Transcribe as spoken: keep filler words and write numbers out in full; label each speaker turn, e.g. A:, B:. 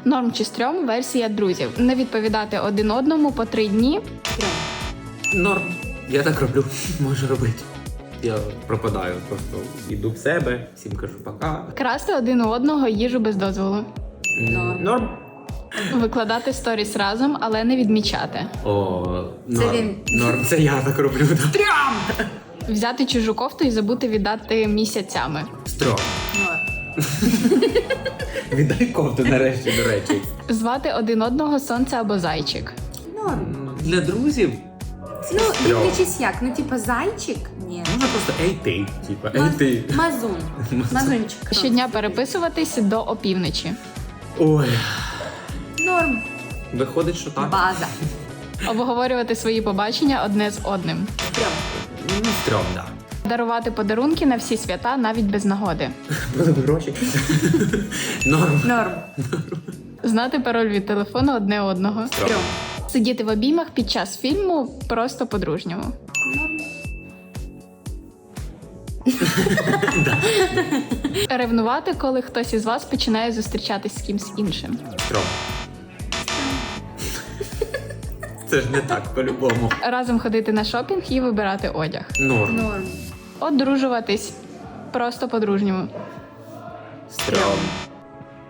A: Норм чи стрьом версія друзів. Не відповідати один одному по три дні.
B: Норм. Я так роблю, можу робити. Я пропадаю, просто йду в себе, всім кажу пока.
A: Красти один у одного їжу без дозволу.
B: Норм. Норм.
A: Викладати сторіс разом, але не відмічати.
B: О,
C: Це
B: норм.
C: він.
B: Норм, це я так роблю. Да.
A: Взяти чужу кофту і забути віддати місяцями.
B: Стрьом.
C: Норм.
B: Віддай кофту нарешті, до речі.
A: Звати один одного сонце або зайчик.
C: Норм.
B: Для друзів
C: Ну,
B: стрьом.
C: дивлячись як. Ну, типа, зайчик? Ні.
B: Можна просто ей ти, типа, ей
C: Маз-
B: ти.
C: Мазун. Мазунчик.
A: Щодня переписуватись до опівночі.
B: Ой,
C: Норм.
B: виходить, що так.
C: База.
A: Обговорювати свої побачення одне з одним.
C: Стрьом.
B: Ну, стрьом, да.
A: Дарувати подарунки на всі свята навіть без нагоди.
B: Були б гроші. Норм.
C: Норм.
A: Знати пароль від телефону одне одного.
C: Стрьом.
A: Сидіти в обіймах під час фільму просто по-дружньому. Ревнувати, коли хтось із вас починає зустрічатись з кимсь іншим.
B: Стрьом. Це ж не так, по-любому.
A: Разом ходити на шопінг і вибирати одяг.
B: Норм.
C: Норм.
A: Одружуватись просто по-дружньому.
B: Стрьом.